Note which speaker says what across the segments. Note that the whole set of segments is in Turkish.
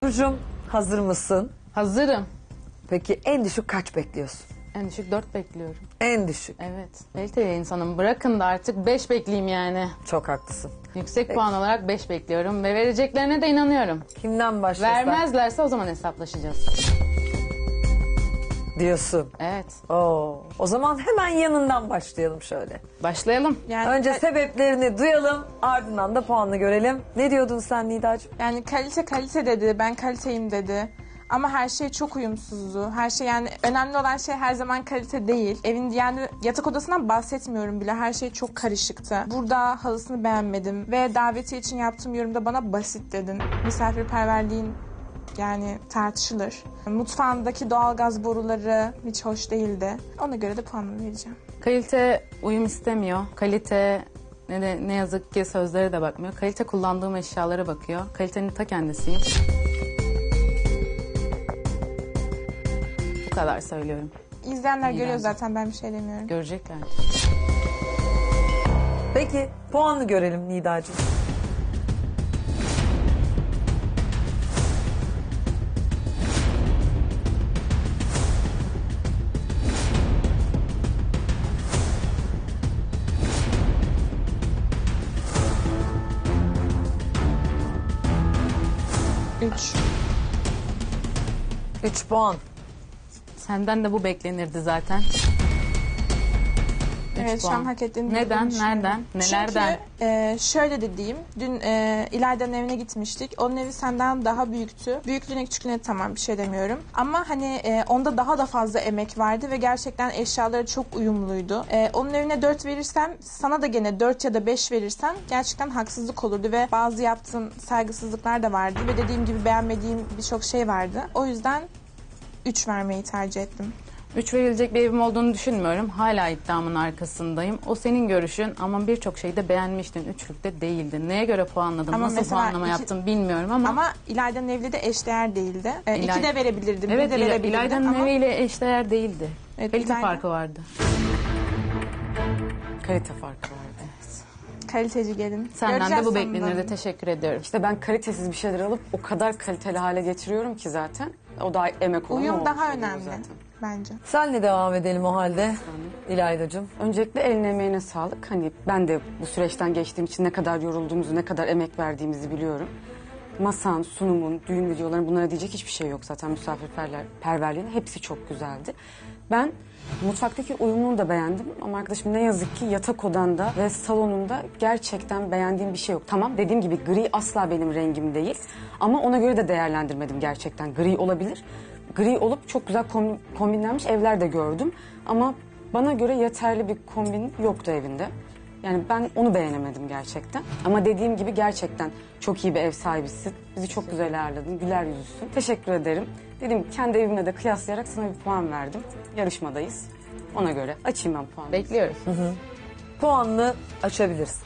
Speaker 1: Burcu'm hazır mısın?
Speaker 2: Hazırım.
Speaker 1: Peki en düşük kaç bekliyorsun?
Speaker 2: En düşük 4 bekliyorum.
Speaker 1: En düşük.
Speaker 2: Evet. Kaliteli insanım. Bırakın da artık 5 bekleyeyim yani.
Speaker 1: Çok haklısın.
Speaker 2: Yüksek puan olarak 5 bekliyorum ve vereceklerine de inanıyorum.
Speaker 1: Kimden başlasak
Speaker 2: Vermezlerse o zaman hesaplaşacağız.
Speaker 1: diyorsun.
Speaker 2: Evet.
Speaker 1: Oo. O zaman hemen yanından başlayalım şöyle.
Speaker 2: Başlayalım.
Speaker 3: Yani,
Speaker 1: Önce sebeplerini duyalım, ardından da puanını görelim. Ne diyordun sen Nidacığım?
Speaker 3: yani kalite dedi, ben kaliteyim dedi. Ama her şey çok uyumsuzdu. Her şey yani önemli olan şey her zaman kalite değil. Evin yani yatak odasından bahsetmiyorum bile. Her şey çok karışıktı. Burada halısını beğenmedim. Ve davetiye için yaptığım yorumda bana basit dedin. Misafirperverliğin yani tartışılır. Mutfağındaki doğalgaz boruları hiç hoş değildi. Ona göre de puanımı vereceğim.
Speaker 2: Kalite uyum istemiyor. Kalite ne yazık ki sözlere de bakmıyor. Kalite kullandığım eşyalara bakıyor. Kalitenin ta kendisiyim. Bu kadar söylüyorum.
Speaker 3: İzleyenler görüyor
Speaker 2: bence.
Speaker 3: zaten, ben bir şey demiyorum.
Speaker 2: Görecekler.
Speaker 1: Peki puanını görelim Nidacığım.
Speaker 3: Üç.
Speaker 1: 3 puan.
Speaker 2: Senden de bu beklenirdi zaten.
Speaker 3: Evet, şu an hak ettiğini
Speaker 2: Neden?
Speaker 3: düşünüyorum.
Speaker 2: Nereden? Nelerden?
Speaker 3: Çünkü şöyle de diyeyim. Dün İlayda'nın evine gitmiştik. Onun evi senden daha büyüktü. Büyüklüğüne küçüklüğüne tamam, bir şey demiyorum. Ama hani onda daha da fazla emek vardı ve gerçekten eşyaları çok uyumluydu. Onun evine 4 verirsem, sana da gene 4 ya da 5 verirsem gerçekten haksızlık olurdu ve bazı yaptığın saygısızlıklar da vardı ve dediğim gibi beğenmediğim birçok şey vardı. O yüzden 3 vermeyi tercih ettim.
Speaker 2: 3 verilecek bir evim olduğunu düşünmüyorum. Hala iddiamın arkasındayım. O senin görüşün ama birçok şeyi de beğenmiştin. Üçlükte değildin. Neye göre puanladın?
Speaker 3: Ama
Speaker 2: Nasıl
Speaker 3: mesela
Speaker 2: puanlama yaptın bilmiyorum ama...
Speaker 3: Ama İlayda'nın evli de eşdeğer değildi.
Speaker 2: İlay-
Speaker 3: 2 de verebilirdim,
Speaker 2: Evet,
Speaker 3: 1 de verebilirdim
Speaker 2: İlayda'nın
Speaker 3: ama...
Speaker 2: eviyle eşdeğer değildi.
Speaker 3: Evet,
Speaker 2: Kalite
Speaker 3: İlayda-
Speaker 2: farkı vardı. Kalite farkı vardı.
Speaker 3: Kaliteci gelin.
Speaker 2: Senden de
Speaker 3: Göreceğiz
Speaker 2: bu
Speaker 3: sonunda.
Speaker 2: beklenirdi. Teşekkür ediyorum.
Speaker 4: İşte ben kalitesiz bir şeyler alıp o kadar kaliteli hale getiriyorum ki zaten. O da emek olan
Speaker 3: Uyum
Speaker 4: o
Speaker 3: daha
Speaker 4: olmuş oluyor
Speaker 3: önemli
Speaker 4: zaten.
Speaker 3: bence.
Speaker 1: Senle devam edelim o halde İlaydacığım.
Speaker 4: Öncelikle eline emeğine sağlık. Hani ben de bu süreçten geçtiğim için ne kadar yorulduğumuzu, ne kadar emek verdiğimizi biliyorum. Masan, sunumun, düğün videoların bunlara diyecek hiçbir şey yok zaten misafirperverliğin. Hepsi çok güzeldi. Ben mutfaktaki uyumunu da beğendim ama arkadaşım ne yazık ki yatak odanda ve salonunda gerçekten beğendiğim bir şey yok. Tamam, dediğim gibi gri asla benim rengim değil ama ona göre de değerlendirmedim gerçekten. Gri olabilir. Gri olup çok güzel kombinlenmiş evler de gördüm ama bana göre yeterli bir kombin yoktu evinde. Yani ben onu beğenemedim gerçekten. Ama dediğim gibi gerçekten çok iyi bir ev sahibisin. Bizi çok güzel ağırladın, güler yüzlüsün. Teşekkür ederim. Dedim kendi evimle de kıyaslayarak sana bir puan verdim. Yarışmadayız. Ona göre açayım ben puanı.
Speaker 2: Bekliyoruz.
Speaker 1: Puanını açabilirsin.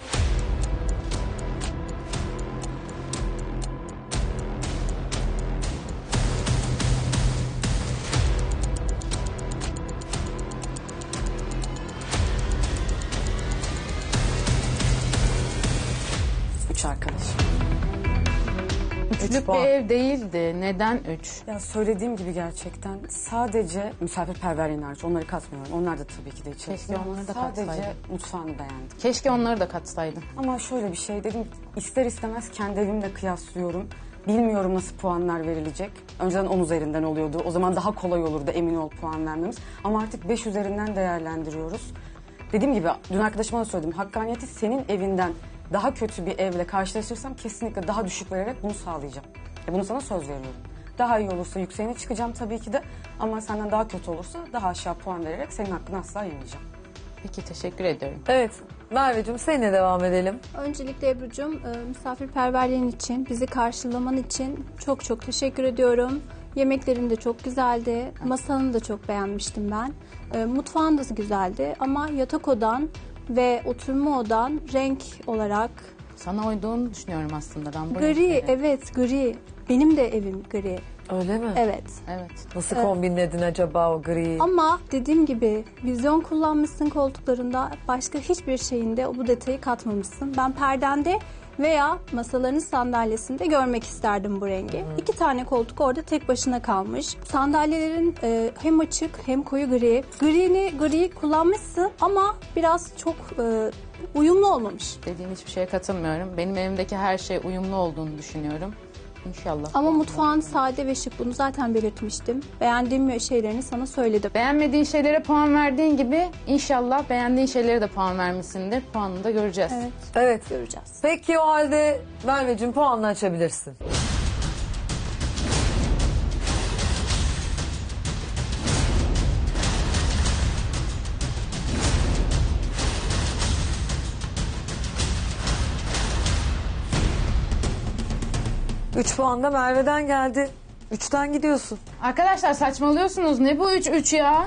Speaker 4: Üç arkadaş.
Speaker 2: Üçlük bir
Speaker 1: puan.
Speaker 2: ev değildi. Neden 3?
Speaker 4: Ya söylediğim gibi gerçekten sadece misafirperverliğin hariç onları katmıyorum. Onlar da tabii ki de içerisinde.
Speaker 2: Keşke onları da
Speaker 4: Sadece
Speaker 2: katsaydın.
Speaker 4: mutfağını beğendim.
Speaker 2: Keşke onları da katsaydın.
Speaker 4: Ama şöyle bir şey dedim, ister istemez kendi evimle kıyaslıyorum. Bilmiyorum nasıl puanlar verilecek. Önceden 10 üzerinden oluyordu. O zaman daha kolay olurdu emin ol puan vermemiz. Ama artık 5 üzerinden değerlendiriyoruz. Dediğim gibi dün arkadaşıma da söyledim. Hakkaniyeti senin evinden daha kötü bir evle karşılaşırsam kesinlikle daha düşük vererek bunu sağlayacağım. Bunu sana söz veriyorum. Daha iyi olursa yükseğine çıkacağım tabii ki de. Ama senden daha kötü olursa daha aşağı puan vererek senin hakkını asla yemeyeceğim.
Speaker 2: Peki, teşekkür ediyorum.
Speaker 1: Evet Merveciğim seninle devam edelim.
Speaker 5: Öncelikle Ebru'cum misafirperverliğin için, bizi karşılaman için çok çok teşekkür ediyorum. Yemeklerin de çok güzeldi. Masanı da çok beğenmiştim ben. Mutfağın da güzeldi ama yatak odan ve oturma odan renk olarak
Speaker 2: Sana uyduğunu düşünüyorum aslında ben. bu
Speaker 5: gri,
Speaker 2: renkleri.
Speaker 5: evet gri. Benim de evim gri.
Speaker 1: Öyle mi?
Speaker 5: Evet.
Speaker 2: Evet.
Speaker 1: Nasıl kombinledin acaba o griyi?
Speaker 5: Ama dediğim gibi vizyon kullanmışsın koltuklarında, başka hiçbir şeyinde bu detayı katmamışsın. Ben perdende veya masaların sandalyesinde görmek isterdim bu rengi. 2 tane koltuk orada tek başına kalmış. Sandalyelerin hem açık hem koyu gri. Griyi kullanmışsın ama biraz çok uyumlu olmamış.
Speaker 2: Dediğin hiçbir şeye katılmıyorum. Benim evimdeki her şey uyumlu olduğunu düşünüyorum. İnşallah.
Speaker 5: Ama mutfağın sade ve şık, bunu zaten belirtmiştim. Beğendiğim şeylerini sana söyledim.
Speaker 2: Beğenmediğin şeylere puan verdiğin gibi inşallah beğendiğin şeylere de puan vermişsindir. Puanını da göreceğiz.
Speaker 5: Evet,
Speaker 1: Evet.
Speaker 5: göreceğiz.
Speaker 1: Peki o halde Merveciğim puanını açabilirsin. Üç puan da Merve'den geldi. 3'ten gidiyorsun.
Speaker 2: Arkadaşlar saçmalıyorsunuz. Ne bu 3-3 ya?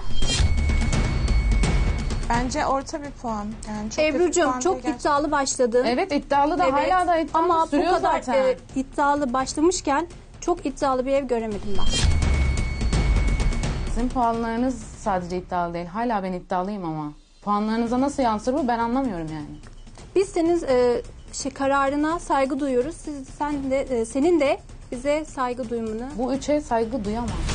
Speaker 3: Bence orta bir puan. Yani çok kötü
Speaker 5: Ebru'cum
Speaker 3: puan
Speaker 5: çok
Speaker 3: değil
Speaker 5: iddialı başladın.
Speaker 2: Evet iddialı da
Speaker 5: Evet.
Speaker 2: hala da iddialı
Speaker 5: Ama bu
Speaker 2: sürüyor
Speaker 5: kadar
Speaker 2: zaten.
Speaker 5: iddialı başlamışken çok iddialı bir ev göremedim ben.
Speaker 2: Sizin puanlarınız sadece iddialı değil. Hala ben iddialıyım ama. Puanlarınıza nasıl yansır bu ben anlamıyorum yani.
Speaker 5: Biz senin kararına saygı duyuyoruz. Senin de bize saygı duymanı.
Speaker 2: Bu 3'e saygı duyamam.